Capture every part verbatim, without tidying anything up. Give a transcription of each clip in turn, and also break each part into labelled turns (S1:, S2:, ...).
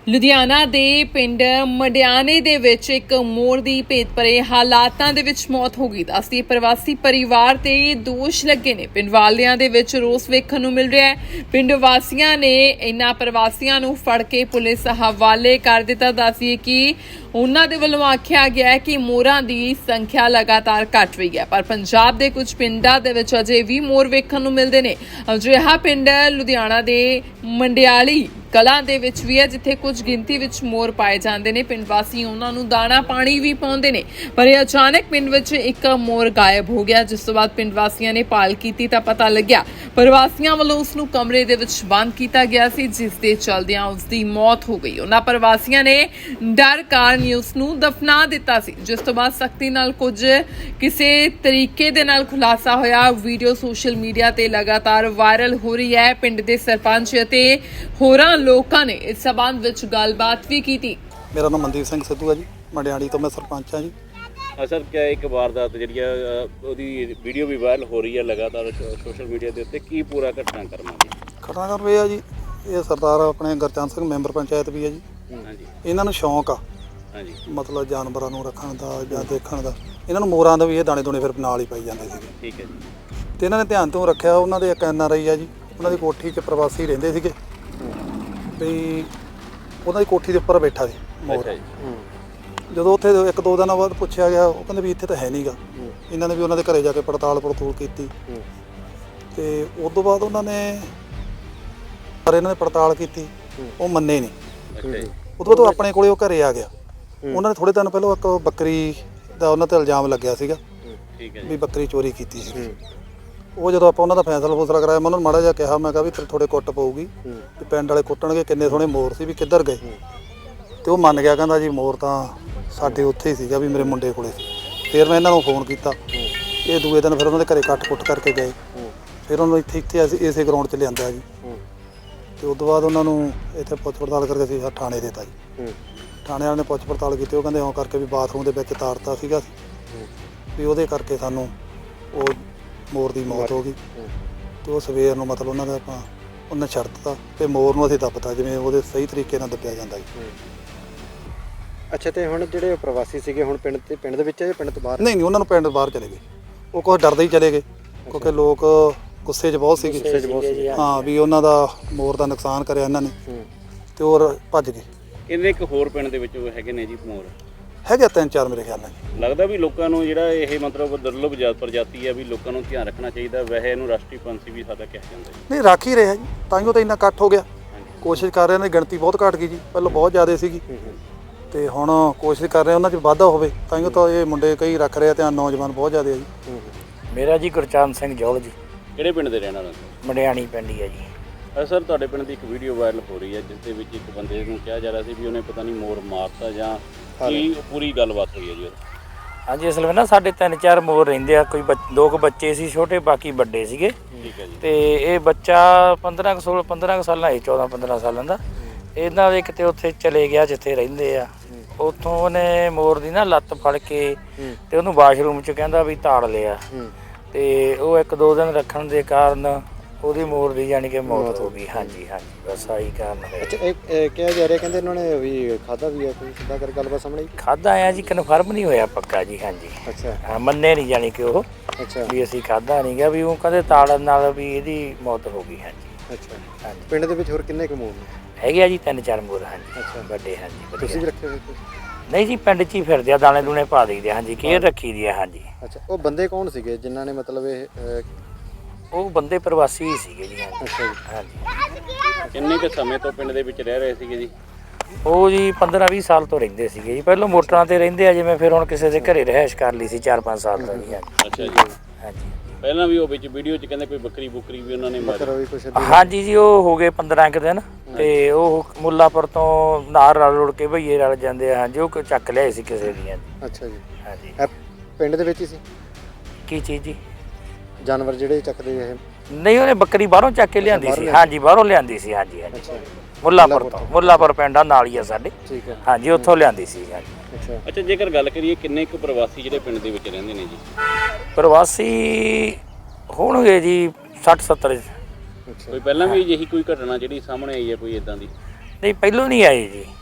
S1: ਲੁਧਿਆਣਾ ਦੇ ਪਿੰਡ ਮੰਡਿਆਣੇ ਦੇ ਵਿੱਚ ਇੱਕ ਮੋਰ ਦੀ ਭੇਤ ਭਰੇ ਹਾਲਾਤਾਂ ਦੇ ਵਿੱਚ ਮੌਤ ਹੋ ਗਈ। ਦੱਸਦੀ ਪ੍ਰਵਾਸੀ ਪਰਿਵਾਰ ਤੇ ਦੋਸ਼ ਲੱਗੇ ਨੇ। ਪਿੰਡ ਵਾਲਿਆਂ ਦੇ ਵਿੱਚ ਰੋਸ ਵੇਖਣ ਨੂੰ ਮਿਲ ਰਿਹਾ ਹੈ। ਪਿੰਡ ਵਾਸੀਆਂ ਨੇ ਇਨ੍ਹਾਂ ਪ੍ਰਵਾਸੀਆਂ ਨੂੰ ਫੜ ਕੇ ਪੁਲਿਸ ਹਵਾਲੇ ਕਰ ਦਿੱਤਾ। ਦੱਸਦੀ ਕਿ ਉਹਨਾਂ ਦੇ ਵੱਲੋਂ ਆਖਿਆ ਗਿਆ ਹੈ ਕਿ ਮੋਰਾਂ ਦੀ ਸੰਖਿਆ ਲਗਾਤਾਰ ਘਟ ਰਹੀ ਹੈ, ਪਰ ਪੰਜਾਬ ਦੇ ਕੁਝ ਪਿੰਡਾਂ ਦੇ ਵਿੱਚ ਅਜੇ ਵੀ ਮੋਰ ਵੇਖਣ ਨੂੰ ਮਿਲਦੇ ਨੇ। ਅਜਿਹਾ ਪਿੰਡ ਲੁਧਿਆਣਾ ਦੇ ਮੰਡਿਆਲੀ ਕਲਾਂ ਦੇ ਵਿੱਚ ਵੀ ਹੈ, ਜਿੱਥੇ ਕੁਝ ਗਿਣਤੀ ਵਿੱਚ ਮੋਰ ਪਾਏ ਜਾਂਦੇ ਨੇ। ਪਿੰਡ ਵਾਸੀ ਉਹਨਾਂ ਨੂੰ ਦਾਣਾ ਪਾਣੀ ਵੀ ਪਾਉਂਦੇ ਨੇ, ਪਰ ਇਹ ਅਚਾਨਕ ਪਿੰਡ ਵਿੱਚ ਇੱਕ ਮੋਰ ਗਾਇਬ ਹੋ ਗਿਆ। ਜਿਸ ਤੋਂ ਬਾਅਦ ਪਿੰਡ ਵਾਸੀਆਂ ਨੇ ਭਾਲ ਕੀਤੀ ਤਾਂ ਪਤਾ ਲੱਗਿਆ ਪ੍ਰਵਾਸੀਆਂ ਵੱਲੋਂ ਉਸ ਨੂੰ ਕਮਰੇ ਦੇ ਵਿੱਚ ਬੰਦ ਕੀਤਾ ਗਿਆ ਸੀ, ਜਿਸ ਦੇ ਚਲਦਿਆਂ ਉਸ ਦੀ ਮੌਤ ਹੋ ਗਈ। ਉਹਨਾਂ ਪ੍ਰਵਾਸੀਆਂ ਨੇ ਡਰ ਕਾਰਨ ਉਸ ਨੂੰ ਦਫਨਾ ਦਿੱਤਾ ਸੀ, ਜਿਸ ਤੋਂ ਬਾਅਦ ਸਖਤੀ ਨਾਲ ਕੁਝ ਕਿਸੇ ਤਰੀਕੇ ਦੇ ਨਾਲ ਖੁਲਾਸਾ ਹੋਇਆ। ਵੀਡੀਓ ਸੋਸ਼ਲ ਮੀਡੀਆ ਤੇ ਲਗਾਤਾਰ ਵਾਇਰਲ ਹੋ ਰਹੀ ਹੈ। ਪਿੰਡ ਦੇ ਸਰਪੰਚ ਅਤੇ ਹੋਰਾਂ ਲੋਕਾਂ ਨੇ ਇਸ ਸਬੰਧ ਵਿੱਚ ਗੱਲਬਾਤ ਵੀ ਕੀਤੀ।
S2: ਮੇਰਾ ਨਾਮ ਮਨਦੀਪ ਸਿੰਘ ਸਿੱਧੂ ਹੈ ਜੀ, ਮੰਡਿਆਣੀ ਤੋਂ ਮੈਂ ਸਰਪੰਚ ਹਾਂ ਜੀ।
S3: ਸਰ ਕਿਆ ਇੱਕ ਵਾਰਦਾਤ ਜਿਹੜੀ ਆ ਉਹਦੀ ਵੀਡੀਓ ਵੀ ਵਾਇਰਲ ਹੋ ਰਹੀ ਹੈ ਲਗਾਤਾਰ ਸੋਸ਼ਲ ਮੀਡੀਆ ਦੇ ਉੱਤੇ, ਕੀ ਪੂਰਾ ਘਟਨਾ ਕਰਨਾ ਜੀ?
S2: ਘਟਨਾ ਕਰ ਰਿਹਾ ਜੀ, ਇਹ ਸਰਦਾਰ ਆਪਣੇ ਗੁਰਚਰਨ ਸਿੰਘ ਮੈਂਬਰ ਪੰਚਾਇਤ ਵੀ ਹੈ ਜੀ।
S3: ਹਾਂਜੀ,
S2: ਇਹਨਾਂ ਨੂੰ ਸ਼ੌਂਕ ਆ
S3: ਹਾਂਜੀ,
S2: ਮਤਲਬ ਜਾਨਵਰਾਂ ਨੂੰ ਰੱਖਣ ਦਾ ਜਾਂ ਦੇਖਣ ਦਾ। ਇਹਨਾਂ ਨੂੰ ਮੋਰਾਂ ਦਾ ਵੀ ਇਹ ਦਾਣੇ ਦੂਣੇ ਫਿਰ ਨਾਲ ਹੀ ਪਾਈ ਜਾਂਦੇ ਸੀਗੇ।
S3: ਠੀਕ ਹੈ ਜੀ।
S2: ਤੇ ਇਹਨਾਂ ਨੇ ਧਿਆਨ ਤੋਂ ਰੱਖਿਆ। ਉਹਨਾਂ ਦੇ ਇੱਕ ਐਨ ਆਰ ਆਈ ਆ ਜੀ, ਉਹਨਾਂ ਦੀ ਕੋਠੀ 'ਚ ਪ੍ਰਵਾਸੀ ਰਹਿੰਦੇ ਸੀਗੇ ਵੀ ਉਹਨਾਂ ਦੀ ਕੋਠੀ ਦੇ ਉੱਪਰ ਬੈਠਾ ਸੀ ਮੋਰ। ਜਦੋਂ ਉੱਥੇ ਇੱਕ ਦੋ ਦਿਨਾਂ ਬਾਅਦ ਪੁੱਛਿਆ ਗਿਆ, ਉਹ ਕਹਿੰਦੇ ਵੀ ਇੱਥੇ ਤਾਂ ਹੈ ਨਹੀਂ ਗਾ। ਇਹਨਾਂ ਨੇ ਵੀ ਉਹਨਾਂ ਦੇ ਘਰੇ ਜਾ ਕੇ ਪੜਤਾਲ ਪੜਤੂਲ ਕੀਤੀ ਤੇ ਉਸ ਤੋਂ ਬਾਅਦ ਉਹਨਾਂ ਨੇ ਪਰ ਇਹਨਾਂ ਨੇ ਪੜਤਾਲ ਕੀਤੀ, ਉਹ ਮੰਨੇ ਨਹੀਂ। ਉਹ ਤੋਂ ਬਾਅਦ ਉਹ ਆਪਣੇ ਕੋਲੇ ਉਹ ਘਰੇ ਆ ਗਿਆ। ਉਹਨਾਂ ਨੇ ਥੋੜੇ ਦਿਨ ਪਹਿਲਾਂ ਇੱਕ ਬੱਕਰੀ ਦਾ ਉਹਨਾਂ ਤੇ ਇਲਜ਼ਾਮ ਲੱਗਿਆ ਸੀਗਾ ਵੀ ਬੱਕਰੀ ਚੋਰੀ ਕੀਤੀ ਸੀ। ਉਹ ਜਦੋਂ ਆਪਾਂ ਉਹਨਾਂ ਦਾ ਫੈਸਲਾ ਫੂਸਲਾ ਕਰਾਇਆ, ਮੈਂ ਉਹਨਾਂ ਨੂੰ ਮਾੜਾ ਜਿਹਾ ਕਿਹਾ, ਮੈਂ ਕਿਹਾ ਵੀ ਥੋੜੇ ਕੁੱਟ ਪਊਗੀ ਤੇ ਪਿੰਡ ਵਾਲੇ ਕੁੱਟਣਗੇ, ਕਿੰਨੇ ਸੋਹਣੇ ਮੋਰ ਸੀ ਵੀ ਕਿੱਧਰ ਗਏ। ਤੇ ਉਹ ਮੰਨ ਗਿਆ, ਕਹਿੰਦਾ ਜੀ ਮੋਰ ਤਾਂ ਸਾਡੇ ਉੱਥੇ ਹੀ ਸੀਗਾ ਵੀ ਮੇਰੇ ਮੁੰਡੇ ਕੋਲੇ ਸੀ। ਫਿਰ ਮੈਂ ਇਹਨਾਂ ਨੂੰ ਫੋਨ ਕੀਤਾ, ਇਹ ਦੂਏ ਦਿਨ ਫਿਰ ਉਹਨਾਂ ਦੇ ਘਰੇ ਕੱਟ ਕੁੱਟ ਕਰਕੇ ਗਏ। ਫਿਰ ਉਹਨਾਂ ਨੂੰ ਇੱਥੇ ਇੱਥੇ ਅਸੀਂ ਇਸੇ ਗਰਾਊਂਡ 'ਚ ਲਿਆਂਦਾ ਜੀ। ਤੇ ਉਸ ਤੋਂ ਬਾਅਦ ਉਹਨਾਂ ਨੂੰ ਇੱਥੇ ਪੁੱਛ ਪੜਤਾਲ ਕਰਕੇ ਅਸੀਂ ਥਾਣੇ ਦੇਤਾ ਜੀ। ਥਾਣੇ ਵਾਲਿਆਂ ਨੇ ਪੁੱਛ ਪੜਤਾਲ ਕੀਤੀ, ਉਹ ਕਹਿੰਦੇ ਉਹ ਕਰਕੇ ਵੀ ਬਾਥਰੂਮ ਦੇ ਵਿੱਚ ਤਾਰਤਾ ਸੀਗਾ ਵੀ ਉਹਦੇ ਕਰਕੇ ਸਾਨੂੰ ਉਹ ਮੋਰ ਦੀ ਮੌਤ ਹੋ ਗਈ। ਤੇ ਉਹ ਸਵੇਰ ਨੂੰ ਮਤਲਬ ਉਹਨਾਂ ਦਾ ਆਪਾਂ ਉਹਨੇ ਛੱਡ ਦਿੱਤਾ ਤੇ ਮੋਰ ਨੂੰ ਅਸੀਂ ਦੱਬਤਾ ਜਿਵੇਂ ਉਹਦੇ ਸਹੀ ਤਰੀਕੇ ਨਾਲ ਦੱਬਿਆ ਜਾਂਦਾ ਜੀ।
S4: ਅੱਛਾ, ਤੇ ਹੁਣ ਜਿਹੜੇ ਪ੍ਰਵਾਸੀ ਸੀਗੇ ਹੁਣ ਪਿੰਡ ਤੇ ਪਿੰਡ ਦੇ ਵਿੱਚ ਹੈ ਜਾਂ ਪਿੰਡ ਤੋਂ ਬਾਹਰ?
S2: ਨਹੀਂ ਨਹੀਂ, ਉਹਨਾਂ ਨੂੰ ਪਿੰਡ ਬਾਹਰ ਚਲੇ ਗਏ। ਉਹ ਕੁਛ ਡਰਦੇ ਹੀ ਚਲੇ ਗਏ ਕਿਉਂਕਿ ਲੋਕ ਗੁੱਸੇ 'ਚ ਬਹੁਤ ਸੀਗੇ। ਹਾਂ ਵੀ ਉਹਨਾਂ ਦਾ ਮੋਰ ਦਾ ਨੁਕਸਾਨ ਕਰਿਆ ਇਹਨਾਂ ਨੇ ਤੇ ਹੋਰ ਭੱਜ ਗਏ।
S3: ਕਿੰਨੇ ਇੱਕ ਹੋਰ ਪਿੰਡ ਦੇ ਵਿੱਚ ਹੈਗੇ ਨੇ ਜੀ ਮੋਰ?
S2: ਹੈਗੇ ਤਿੰਨ ਚਾਰ ਮੇਰੇ ਖਿਆਲ ਨਾਲ।
S3: ਲੱਗਦਾ ਵੀ ਲੋਕਾਂ ਨੂੰ ਜਿਹੜਾ ਇਹ ਮਤਲਬ ਦੁਰਲਭ ਜਾਤ ਪ੍ਰਜਾਤੀ ਹੈ ਵੀ ਲੋਕਾਂ ਨੂੰ ਧਿਆਨ ਰੱਖਣਾ ਚਾਹੀਦਾ। ਵੈਸੇ ਇਹਨੂੰ ਰਾਸ਼ਟਰੀ ਪੰਛੀ ਵੀ ਸਾਡਾ ਕਿਹਾ ਜਾਂਦਾ ਜੀ।
S2: ਨਹੀਂ, ਰੱਖ ਹੀ ਰਿਹਾ ਜੀ, ਤਾਂ ਹੀ ਉਹ ਤਾਂ ਇੰਨਾ ਇਕੱਠ ਹੋ ਗਿਆ। ਕੋਸ਼ਿਸ਼ ਕਰ ਰਹੇ ਨੇ, ਗਿਣਤੀ ਬਹੁਤ ਘੱਟ ਗਈ ਜੀ, ਪਹਿਲਾਂ ਬਹੁਤ ਜ਼ਿਆਦਾ ਸੀਗੀ ਤੇ ਹੁਣ ਕੋਸ਼ਿਸ਼ ਕਰ ਰਹੇ ਉਹਨਾਂ 'ਚ ਵਾਧਾ ਹੋਵੇ, ਤਾਂ ਹੀ ਤਾਂ ਇਹ ਮੁੰਡੇ ਕਈ ਰੱਖ ਰਹੇ ਆ ਧਿਆਨ। ਨੌਜਵਾਨ ਬਹੁਤ ਜ਼ਿਆਦਾ ਹੈ ਜੀ।
S5: ਮੇਰਾ ਜੀ ਗੁਰਚਰਨ ਸਿੰਘ ਜੌਲ ਜੀ,
S3: ਕਿਹੜੇ ਪਿੰਡ ਦੇ ਰਹਿਣ ਵਾਲੇ?
S5: ਮੰਡਿਆਣੀ ਪਿੰਡ ਹੀ ਹੈ ਜੀ।
S3: ਸਰ ਤੁਹਾਡੇ ਪਿੰਡ ਦੀ ਇੱਕ ਵੀਡੀਓ ਵਾਇਰਲ ਹੋ ਰਹੀ ਹੈ ਜਿਸ ਦੇ ਵਿੱਚ ਇੱਕ ਬੰਦੇ ਨੂੰ ਕਿਹਾ ਜਾ ਰਿਹਾ ਸੀ ਵੀ ਉਹਨੇ ਪਤਾ ਨਹੀਂ ਮੋਰ ਮਾਰਤਾ ਜਾਂ ਕੀ ਪੂਰੀ ਗੱਲਬਾਤ ਹੋਈ ਹੈ ਜੀ?
S5: ਹਾਂਜੀ, ਅਸਲ ਵਿੱਚ ਨਾ ਸਾਡੇ ਤਿੰਨ ਚਾਰ ਮੋਰ ਰਹਿੰਦੇ ਆ। ਕੋਈ ਦੋ ਕੁ ਬੱਚੇ ਸੀ ਛੋਟੇ, ਬਾਕੀ ਵੱਡੇ ਸੀਗੇ।
S3: ਠੀਕ ਹੈ ਜੀ।
S5: ਤੇ ਇਹ ਬੱਚਾ ਪੰਦਰਾਂ ਕੁ ਸੋਲਾਂ ਪੰਦਰਾਂ ਕੁ ਸਾਲਾਂ ਹੈ, ਚੌਦਾਂ ਪੰਦਰਾਂ ਸਾਲਾਂ ਦਾ। ਇਹਨਾਂ ਦੇ ਕਿਤੇ ਉੱਥੇ ਚਲੇ ਗਿਆ ਜਿੱਥੇ ਰਹਿੰਦੇ ਆ, ਉੱਥੋਂ ਉਹਨੇ ਮੋਰ ਦੀ ਨਾ ਲੱਤ ਫੜ ਕੇ ਤੇ ਉਹਨੂੰ ਵਾਸ਼ਰੂਮ 'ਚ ਕਹਿੰਦਾ ਵੀ ਤਾੜ ਲਿਆ। ਤੇ ਉਹ ਇੱਕ ਦੋ ਦਿਨ ਰੱਖਣ ਦੇ ਕਾਰਨ ਉਹਦੀ ਮੋਰ ਦੀ ਜਾਣੀ ਕਿ ਮੌਤ ਹੋ ਗਈ। ਹਾਂਜੀ ਹਾਂਜੀ, ਬਸ ਆਹੀ ਕਾਰਨ ਹੈ।
S4: ਅੱਛਾ, ਇਹ ਕਿਹਾ ਜਾ ਰਿਹਾ ਕਹਿੰਦੇ ਇਹਨਾਂ ਨੇ ਵੀ ਖਾਧਾ ਵੀ ਹੈ, ਕੋਈ ਸਿੱਧਾ ਕਰ ਗੱਲਬਾਤ ਸਾਹਮਣੇ
S5: ਖਾਧਾ ਆ ਜੀ, ਕਨਫਰਮ ਨਹੀਂ ਹੋਇਆ ਪੱਕਾ ਜੀ। ਹਾਂਜੀ,
S4: ਅੱਛਾ,
S5: ਹਾਂ, ਮੰਨੇ ਨਹੀਂ ਜਾਣੀ ਕਿ ਉਹ
S4: ਅੱਛਾ
S5: ਵੀ ਅਸੀਂ ਖਾਧਾ ਨਹੀਂ ਗਾ, ਵੀ ਉਹ ਕਹਿੰਦੇ ਤਾੜਨ ਨਾਲ ਵੀ ਇਹਦੀ ਮੌਤ ਹੋ ਗਈ। ਹਾਂਜੀ
S4: ਅੱਛਾ,
S5: ਹਾਂਜੀ।
S4: ਪਿੰਡ ਦੇ ਵਿੱਚ ਹੋਰ ਕਿੰਨੇ ਕੁ ਮੋਰ ਨੇ?
S5: ਹੈਗੇ ਆ ਜੀ ਤਿੰਨ ਚਾਰ ਮੋਰ। ਹਾਂਜੀ,
S4: ਅੱਛਾ,
S5: ਵੱਡੇ। ਹਾਂਜੀ,
S4: ਤੁਸੀਂ ਵੀ ਰੱਖੇ ਹੋਏ?
S5: ਨਹੀਂ ਜੀ, ਪਿੰਡ 'ਚ ਹੀ ਫਿਰਦੇ ਆ, ਦਾਣੇ ਦੂਣੇ ਪਾ ਦਈਦੇ। ਹਾਂਜੀ, ਕੇਅਰ ਰੱਖੀ ਦੀ ਆ। ਹਾਂਜੀ।
S4: ਅੱਛਾ, ਉਹ ਬੰਦੇ ਕੌਣ ਸੀਗੇ ਜਿਨ੍ਹਾਂ ਨੇ ਮਤਲਬ ਇਹ?
S5: ਉਹ ਬੰਦੇ ਪ੍ਰਵਾਸੀ ਹੀ ਸੀਗੇ ਜੀ।
S4: ਅੱਛਾ ਜੀ।
S5: ਹਾਂਜੀ।
S3: ਕਿੰਨੇ ਕੁ ਸਮੇਂ ਤੋਂ ਪਿੰਡ ਦੇ ਵਿੱਚ ਰਹਿ ਰਹੇ ਸੀਗੇ ਜੀ?
S5: ਉਹ ਜੀ ਪੰਦਰਾਂ ਵੀਹ ਸਾਲ ਤੋਂ ਰਹਿੰਦੇ ਸੀਗੇ ਜੀ। ਪਹਿਲਾਂ ਮੋਟਰਾਂ ਤੇ ਰਹਿੰਦੇ ਆ, ਜਿਵੇਂ ਫਿਰ ਹੁਣ ਕਿਸੇ ਦੇ ਘਰੇ ਰਿਹਾਇਸ਼ ਕਰ ਲਈ ਸੀ ਚਾਰ ਪੰਜ ਸਾਲ ਤੋਂ ਜੀ।
S3: ਅੱਛਾ ਜੀ।
S5: ਹਾਂਜੀ,
S3: ਪਹਿਲਾਂ ਵੀ ਉਹ ਵਿੱਚ ਵੀਡੀਓ 'ਚ ਕਹਿੰਦੇ ਕੋਈ ਬੱਕਰੀ ਬੁੱਕਰੀ ਵੀ ਉਹਨਾਂ ਨੇ ਮਾਰੀ?
S5: ਹਾਂਜੀ ਜੀ, ਉਹ ਹੋ ਗਏ ਪੰਦਰਾਂ ਕੁ ਦਿਨ ਤੇ ਉਹ ਮੁੱਲਾਪੁਰ ਤੋਂ ਨਾਰ ਰਲ ਰੁੜ ਕੇ ਭਈਏ ਰਲ ਜਾਂਦੇ ਆ। ਹਾਂਜੀ, ਉਹ ਚੱਕ ਲਿਆਏ ਸੀ ਕਿਸੇ ਦੀਆਂ।
S4: ਅੱਛਾ ਜੀ।
S5: ਹਾਂਜੀ।
S4: ਪਿੰਡ ਦੇ ਵਿੱਚ ਹੀ ਸੀ
S5: ਕੀ ਚੀਜ਼ ਜੀ?
S4: ਜਾਨਵਰ ਜਿਹੜੇ ਚੱਕਦੇ ਇਹ?
S5: ਨਹੀਂ, ਉਹਨੇ ਬੱਕਰੀ ਬਾਹਰੋਂ ਚੱਕ ਕੇ ਲਿਆਂਦੀ ਸੀ। ਹਾਂਜੀ, ਬਾਹਰੋਂ ਲਿਆਂਦੀ ਸੀ। ਹਾਂਜੀ ਹਾਂਜੀ,
S4: ਅੱਛਾ,
S5: ਮੁੱਲਾਪੁਰ ਤੋਂ। ਮੁੱਲਾਪੁਰ ਪਿੰਡ ਆ ਨਾਲ ਹੀ ਆ ਸਾਡੇ।
S4: ਠੀਕ ਹੈ।
S5: ਹਾਂਜੀ, ਉੱਥੋਂ ਲਿਆਂਦੀ ਸੀ। ਹਾਂਜੀ।
S4: ਅੱਛਾ
S3: ਅੱਛਾ, ਜੇਕਰ ਗੱਲ ਕਰੀਏ ਕਿੰਨੇ ਕੁ ਪ੍ਰਵਾਸੀ ਜਿਹੜੇ ਪਿੰਡ ਦੇ ਵਿੱਚ ਰਹਿੰਦੇ ਨੇ ਜੀ?
S5: ਪ੍ਰਵਾਸੀ ਹੋਣਗੇ ਜੀ ਸੱਠ ਸੱਤਰ।
S3: ਕੋਈ ਪਹਿਲਾਂ ਵੀ ਅਜਿਹੀ ਕੋਈ ਘਟਨਾ ਜਿਹੜੀ ਸਾਹਮਣੇ ਆਈ ਹੈ ਕੋਈ ਇਦਾਂ ਦੀ?
S5: ਨਹੀਂ, ਪਹਿਲੋਂ ਨਹੀਂ ਆਏ ਜੀ।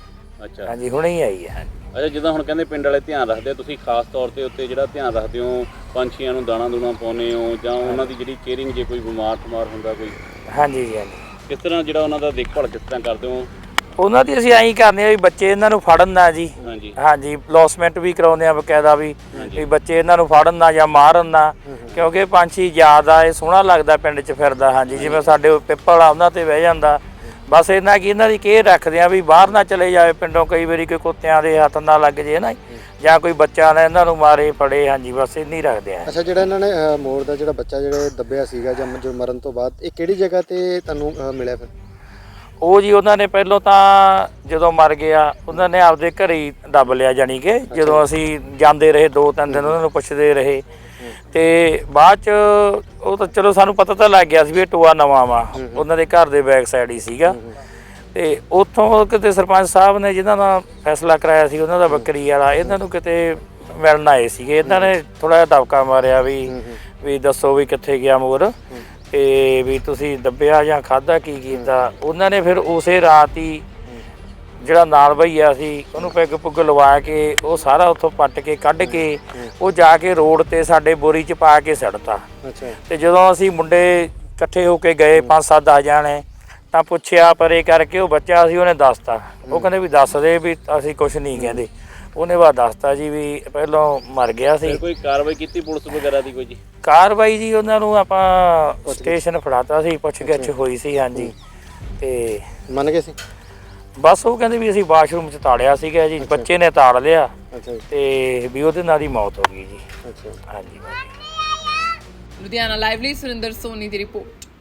S3: ਅੱਛਾ
S5: ਹਾਂਜੀ ਹੁਣੇ ਹੀ ਆਈ ਹੈ।
S3: ਅੱਛਾ, ਜਿੱਦਾਂ ਹੁਣ ਕਹਿੰਦੇ ਪਿੰਡ ਵਾਲੇ ਧਿਆਨ ਰੱਖਦੇ ਆ, ਤੁਸੀਂ ਖਾਸ ਤੌਰ ਤੇ ਉੱਤੇ ਜਿਹੜਾ ਧਿਆਨ ਰੱਖਦੇ ਹੋ, ਪੰਛੀਆਂ ਨੂੰ ਦਾਣਾ ਦੂਣਾ ਪਾਉਂਦੇ ਹੋ ਜਾਂ ਉਹਨਾਂ ਦੀ ਜਿਹੜੀ ਕੇਅਰਿੰਗ, ਜੇ ਕੋਈ ਬਿਮਾਰ ਠਮਾਰ ਹੁੰਦਾ ਕੋਈ,
S5: ਹਾਂਜੀ ਜੀ ਹਾਂਜੀ।
S3: ਕਿਸ ਤਰ੍ਹਾਂ ਜਿਹੜਾ ਉਹਨਾਂ ਦਾ ਦੇਖਭਾਲ ਕਿਸ ਤਰ੍ਹਾਂ ਕਰਦੇ ਹੋ?
S5: ਉਹਨਾਂ ਦੀ ਅਸੀਂ ਐਂ ਕਰਦੇ ਆ ਵੀ ਬੱਚੇ ਇਹਨਾਂ ਨੂੰ ਫੜਨ ਨਾ ਜੀ।
S3: ਹਾਂਜੀ
S5: ਹਾਂਜੀ ਲੌਸਮੈਂਟ ਵੀ ਕਰਾਉਂਦੇ ਆ ਬਕਾਇਦਾ ਵੀ ਵੀ ਬੱਚੇ ਇਹਨਾਂ ਨੂੰ ਫੜਨ ਨਾ ਜਾਂ ਮਾਰਨ ਨਾ, ਕਿਉਂਕਿ ਪੰਛੀ ਜ਼ਿਆਦਾ ਇਹ ਸੋਹਣਾ ਲੱਗਦਾ ਪਿੰਡ 'ਚ ਫਿਰਦਾ। ਹਾਂਜੀ ਜਿਵੇਂ ਸਾਡੇ ਪਿੱਪਲ ਆ ਉਹਨਾਂ ਤੇ ਬਹਿ ਜਾਂਦਾ, ਬਸ ਇਹਨਾਂ ਕੀ ਇਹਨਾਂ ਦੀ ਕੇਅਰ ਰੱਖਦੇ ਆ ਵੀ ਬਾਹਰ ਨਾ ਚਲੇ ਜਾਵੇ ਪਿੰਡੋਂ, ਕਈ ਵਾਰੀ ਕੋਈ ਕੁੱਤਿਆਂ ਦੇ ਹੱਥ ਨਾ ਲੱਗ ਜੇ ਨਾ ਜਾਂ ਕੋਈ ਬੱਚਾ ਨਾ ਇਹਨਾਂ ਨੂੰ ਮਾਰੇ ਫੜੇ। ਹਾਂਜੀ ਬਸ ਇੰਨੀ ਰੱਖਦੇ ਆ।
S4: ਅੱਛਾ, ਜਿਹੜਾ ਇਹਨਾਂ ਨੇ ਅ, ਮੋਰ ਦਾ ਜਿਹੜਾ ਬੱਚਾ ਜਿਹੜੇ ਦੱਬਿਆ ਸੀਗਾ ਜਾਂ ਜੋ ਮਰਨ ਤੋਂ ਬਾਅਦ, ਇਹ ਕਿਹੜੀ ਜਗ੍ਹਾ ਤੇ ਤੁਹਾਨੂੰ ਅ, ਮਿਲਿਆ ਫਿਰ?
S5: ਉਹ ਜੀ ਉਹਨਾਂ ਨੇ ਪਹਿਲਾਂ ਤਾਂ ਜਦੋਂ ਮਰ ਗਿਆ ਉਹਨਾਂ ਨੇ ਆਪਦੇ ਘਰੇ ਹੀ ਦੱਬ ਲਿਆ, ਜਾਣੀ ਕਿ ਜਦੋਂ ਅਸੀਂ ਜਾਂਦੇ ਰਹੇ ਦੋ ਤਿੰਨ ਦਿਨ ਉਹਨਾਂ ਨੂੰ ਪੁੱਛਦੇ ਰਹੇ, ਤੇ ਬਾਅਦ ਚ ਉਹ ਤਾਂ ਚਲੋ ਸਾਨੂੰ ਪਤਾ ਤਾਂ ਲੱਗ ਗਿਆ ਸੀ ਵੀ ਇਹ ਟੋਆ ਨਵਾਂ ਵਾ, ਉਹਨਾਂ ਦੇ ਘਰ ਦੇ ਬੈਕ ਸਾਈਡ ਹੀ ਸੀਗਾ। ਤੇ ਉੱਥੋਂ ਕਿਤੇ ਸਰਪੰਚ ਸਾਹਿਬ ਨੇ ਜਿਹਨਾਂ ਦਾ ਫੈਸਲਾ ਕਰਾਇਆ ਸੀ ਉਹਨਾਂ ਦਾ ਬੱਕਰੀ ਵਾਲਾ, ਇਹਨਾਂ ਨੂੰ ਕਿਤੇ ਮਿਲਣ ਆਏ ਸੀਗੇ। ਇਹਨਾਂ ਨੇ ਥੋੜਾ ਜਿਹਾ ਦਬਕਾ ਮਾਰਿਆ ਵੀ ਵੀ ਦੱਸੋ ਵੀ ਕਿੱਥੇ ਗਿਆ ਮੋਰ, ਤੇ ਵੀ ਤੁਸੀਂ ਦੱਬਿਆ ਜਾਂ ਖਾਧਾ ਕੀ ਕੀਤਾ। ਉਹਨਾਂ ਨੇ ਫਿਰ ਉਸੇ ਰਾਤ ਹੀ ਜਿਹੜਾ ਨਾਲ ਭਈਆ ਸੀ ਉਹਨੂੰ ਪੈਗ ਪੁੱਗ ਲਵਾ ਕੇ ਉਹ ਸਾਰਾ ਉੱਥੋਂ ਪੱਟ ਕੇ ਕੱਢ ਕੇ ਉਹ ਜਾ ਕੇ ਰੋਡ ਤੇ ਸਾਡੇ ਬੋਰੀ 'ਚ ਪਾ ਕੇ ਸੜਤਾ।
S4: ਅੱਛਾ,
S5: ਤੇ ਜਦੋਂ ਅਸੀਂ ਮੁੰਡੇ ਇਕੱਠੇ ਹੋ ਕੇ ਗਏ ਪੰਜ ਸੱਤ ਦਸ ਜਾਣੇ, ਤਾਂ ਪੁੱਛਿਆ ਪਰੇ ਕਰਕੇ ਉਹ ਬੱਚਾ ਸੀ, ਉਹਨੇ ਦੱਸਤਾ। ਉਹ ਕਹਿੰਦੇ ਵੀ ਦੱਸ ਦੇ ਵੀ ਅਸੀਂ ਕੁਛ ਨਹੀਂ ਕਹਿੰਦੇ। ਉਹਨੇ ਬਾਅਦ ਦੱਸਤਾ ਜੀ ਵੀ ਪਹਿਲਾਂ ਮਰ ਗਿਆ ਸੀ।
S3: ਕੋਈ ਕਾਰਵਾਈ ਕੀਤੀ ਪੁਲਿਸ ਵਗੈਰਾ ਦੀ ਕੋਈ ਜੀ?
S5: ਕਾਰਵਾਈ ਜੀ ਉਹਨਾਂ ਨੂੰ ਆਪਾਂ ਸਟੇਸ਼ਨ ਫੜਾਤਾ ਸੀ, ਪੁੱਛ ਗਿੱਛ ਹੋਈ ਸੀ। ਹਾਂਜੀ ਤੇ
S4: ਮੰਨ ਗਏ ਸੀ?
S5: ਬਸ ਉਹ ਕਹਿੰਦੇ ਵੀ ਅਸੀਂ ਵਾਸ਼ਰੂਮ 'ਚ ਤਾੜਿਆ ਸੀਗਾ ਜੀ, ਬੱਚੇ ਨੇ ਤਾੜ ਲਿਆ
S4: ਅੱਛਾ ਜੀ,
S5: ਤੇ ਵੀ ਉਹਦੇ ਨਾਲ ਹੀ ਮੌਤ ਹੋ ਗਈ ਜੀ।
S4: ਅੱਛਾ।
S5: ਹਾਂਜੀ।
S1: ਲੁਧਿਆਣਾ ਲਾਈਵ ਲਈ ਸੁਰਿੰਦਰ ਸੋਨੀ ਦੀ ਰਿਪੋਰਟ।